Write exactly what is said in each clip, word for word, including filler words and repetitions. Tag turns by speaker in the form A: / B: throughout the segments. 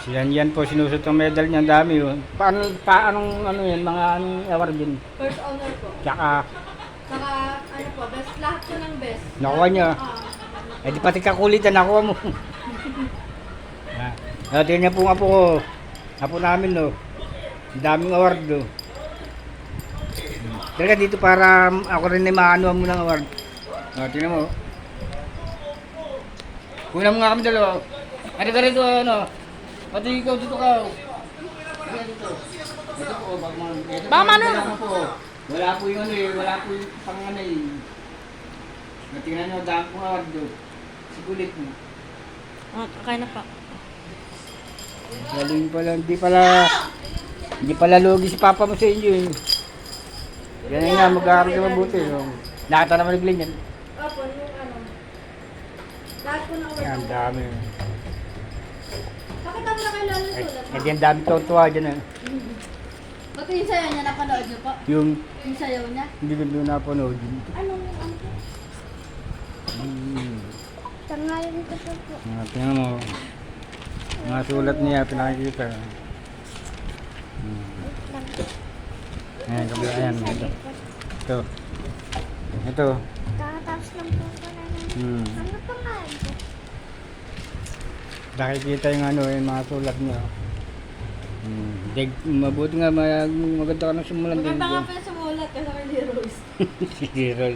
A: Yan, yan po, sinusot ang medal niya, ang dami yun. Paano, paanong, ano yan, mga anong award din?
B: First honor po.
A: Tsaka,
B: Saka, ano po, best, lahat po ng best.
A: Nakuha niya.
B: Ah,
A: eh di pati kakulitan, nakuha mo. Ah, ah, tingnan niya po nga po ko. Apo namin, no. Ang daming award, no. Talaga dito para ako rin ay maano mo ng award. Ah, tingnan mo. Kunan mo nga kami dalawa. Ano ka rito, ano? Pati ikaw dito ka. Ano dito? Ito po, baka man. Ito
B: Baka
A: po,
B: man,
A: wala
B: ano?
A: po. Wala po yung ano eh, wala po yung pang ano eh. Natingnan nyo, daan po award do. Sigulit mo.
B: ah, kaya na pa.
A: Galing pala, hindi pala, hindi pala logi si Papa mo sa inyo eh. Yan nga, mag-aaral ka mabuti. No? Nakita naman nagling yan.
B: Opo, yung ano. Lahat po ng
A: Yan,
B: award.
A: dami.
B: Pakita mo na kay Lalo
A: Ay,
B: sulat.
A: ay, yan dami tuwa dyan eh.
B: Pati yung sayaw niya, napanood niyo po?
A: Yung,
B: Yung sayaw niya?
A: hindi ko doon napanood yun.
B: Anong, ano po?
A: Hmm.
B: Tangalan ko po po.
A: Ah, tingnan mo. Mga sulat niya, pinakikita. Hmm. Ayan, kabila, ayan. Ito. Ito. Ito.
B: Kakatapos lang po ko na lang.
A: Hmm.
B: Ano pa nga ito?
A: Nakikita yung ano, yung mga sulat niya. Hmm. Dig, mabuti nga, mag, maganda ka nang simulan din.
B: Maganda nga pa yung sumulat kasi kay Leroy's.
A: Si Gerald.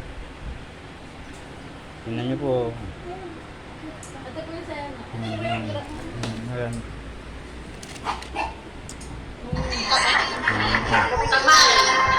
A: Tingnan niyo po.
B: Ito po yung sayaw niya.
A: Hmm. Hmm. Ayan.
B: Mm.